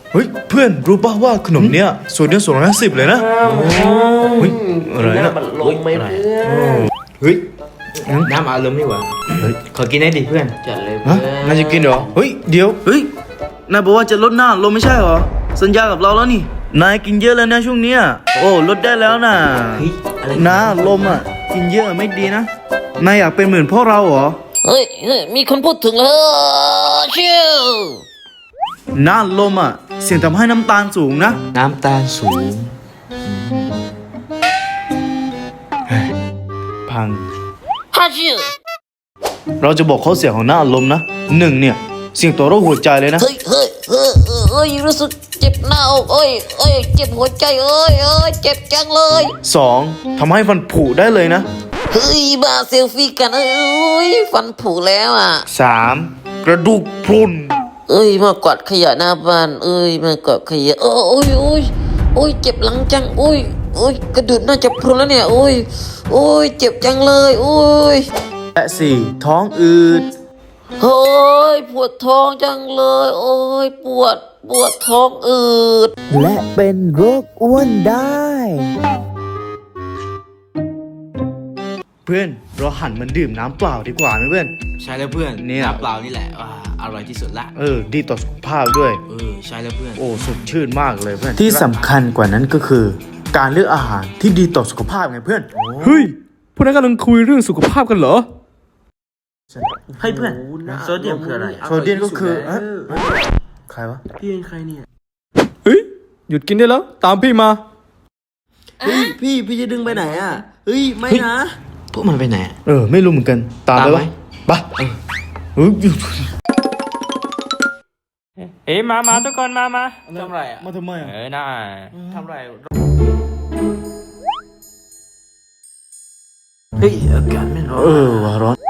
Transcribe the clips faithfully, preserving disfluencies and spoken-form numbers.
เฮ้ยเพื่อนรู้ป่ะว่าขนมเนี้ยส่วนเดียวสองร้อยห้าสิบเลยนะเฮ้ยอะไรนะมันลงไหมเพื่อนเฮ้ยน้ำอารมณ์ดีกว่าเฮ้ยขอกินได้ดิเพื่อนจัดเลยฮะเพื่อนนายจะกินเหรอเฮ้ยเดี๋ยวเฮ้ย นายบอกว่าจะลดหน้าลมไม่ใช่เหรอ สัญญากับเราแล้วนี่ นายกินเยอะแล้วนะช่วงเนี้ยโอ้ลดได้แล้วนะเฮ้ยอะไรน้าลมอ่ะ กินเยอะไม่ดีนะ นายอยากเป็นเหมือนพวกเราเหรอเฮ้ยเฮ้ยมีคนพูดถึงแล้วเชี่ยวน้าลมอ่ะ เสี่ยงทำให้น้ำตาลสูงนะน้ำตาลสูงพังฮ่าเชี่ยวเราจะบอกข้อเสียของหน้าลมนะหนึ่งเนี่ย เสี่ยงต่อโรคหัวใจเลยนะเฮ้ยเฮ้ยเฮ้ยเฮ้ยเฮ้ยรู้สึกเจ็บหน้าอกเอ้ยเอ้ยเจ็บหัวใจเอ้ยเอ้ยเจ็บจังเลยสองทำให้ฟันผุได้เลยนะเฮ้ยมาเซลฟี่กันเอ้ยฟันผุแล้วอ่ะสามกระดูกพรุนเอ้ยมากวาดขยะหน้าบ้านเอ้ยมากวาดขยะโอ้ยโอ้ยโอ้ยโอ้ยเจ็บหลังจังโอ้ยโอ้ยกระดูกน่าจะพรุนแล้วเนี่ยโอ้ยโอ้ยเจ็บจังเลยโอ้ยและสี่ท้องอืดเฮ้ยปวดท้องจังเลยโอ้ยปวดปวดท้องอืดและเป็นโรคอ้วนได้เพื่อนเราหันมันดื่มน้ำเปล่าดีกว่าไหมเพื่อนใช่แล้วเพื่อนเนี่ยน้ำเปล่านี่แหละอ่าอร่อยที่สุดละเออ ดีต่อสุขภาพด้วยเออใช่แล้วเพื่อนโอ้สดชื่นมากเลยเพื่อน ที่สำคัญกว่านั้นก็คือ การเลือกอาหารที่ดีต่อสุขภาพไงเพื่อนเฮ้ยพวกนั้นกำลังคุยเรื่องสุขภาพกันเหรอให้เพื่อนโซเดียมคืออะไรโซเดียมก็คือฮะใครวะพี่เป็นใครเนี่ยเฮ้ยหยุดกินได้แล้วตามพี่มาเฮ้ยพี่พี่จะดึงไปไหนอ่ะเฮ้ยไม่นะพวกมันไปไหนอะเออ ไม่รู้เหมือนกัน ตามไปตามไหมปะปะเฮ้ยเอ้ยมามาทุกคนมามาทำไรอ่ะมาทำไมอ่ะเออน่าทำไรเฮ้ยอากาศไม่ร้อนเออว่าร้อน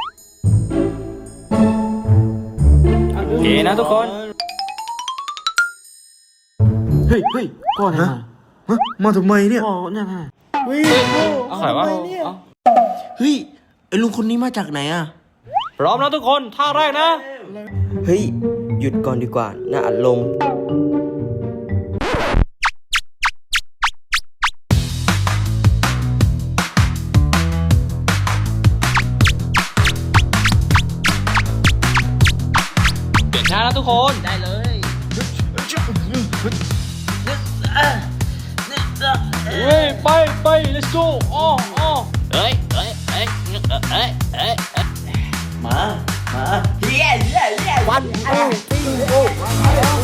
โอเคนะทุกคนเฮ้ยเฮ้ยพ่อไหนมาฮะมาทำไมเนี่ยพ่อเนี่ยมาเอาใครวะเอาเฮ้ยไอ้ลุงคนนี้มาจากไหนอ่ะพร้อมแล้วทุกคนท่าแรกนะเฮ้ย หยุดก่อนดีกว่า น่าอัดลมเปลี่ยนท่าแล้วทุกคนได้เลยเฮ้ยไปไป let's go อ๋ออ๋อเฮ้ยเฮ้ยเฮ้ยเฮ้ยเฮ้ยมามาเย้เย้เย้วันโอ้